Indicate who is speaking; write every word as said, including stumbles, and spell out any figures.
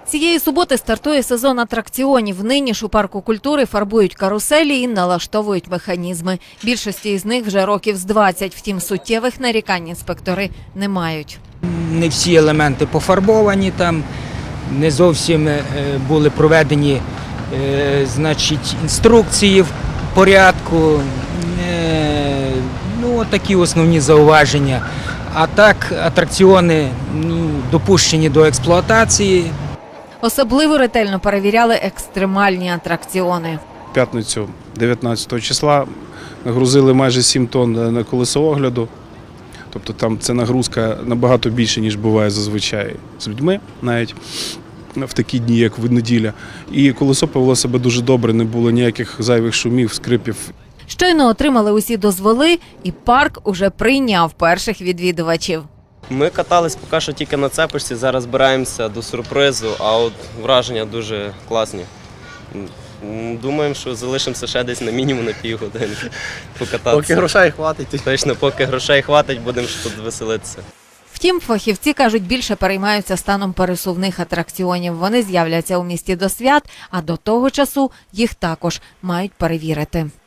Speaker 1: Цієї суботи стартує сезон атракціонів. Нині ж у парку культури фарбують каруселі і налаштовують механізми. Більшості із них вже років з двадцять, втім суттєвих нарікань інспектори не мають.
Speaker 2: Не всі елементи пофарбовані там, не зовсім були проведені значить, інструкції в порядку, ну, такі основні зауваження. А так атракціони ну, допущені до експлуатації.
Speaker 1: Особливо ретельно перевіряли екстремальні атракціони.
Speaker 3: В п'ятницю дев'ятнадцятого числа нагрузили майже сім тонн на колесо огляду. Тобто там це нагрузка набагато більше, ніж буває зазвичай з людьми, навіть в такі дні, як в неділя. І колесо повело себе дуже добре, не було ніяких зайвих шумів, скрипів.
Speaker 1: Щойно отримали усі дозволи, і парк уже прийняв перших відвідувачів.
Speaker 4: Ми катались поки що тільки на цепочці, зараз збираємося до сюрпризу, а от враження дуже класні. Думаємо, що залишимося ще десь на мінімум на півгодинки покататися.
Speaker 5: Поки грошей хватить.
Speaker 4: Точно, поки грошей хватить, будемо тут веселитися.
Speaker 1: Втім, фахівці кажуть, більше переймаються станом пересувних атракціонів. Вони з'являться у місті до свят, а до того часу їх також мають перевірити.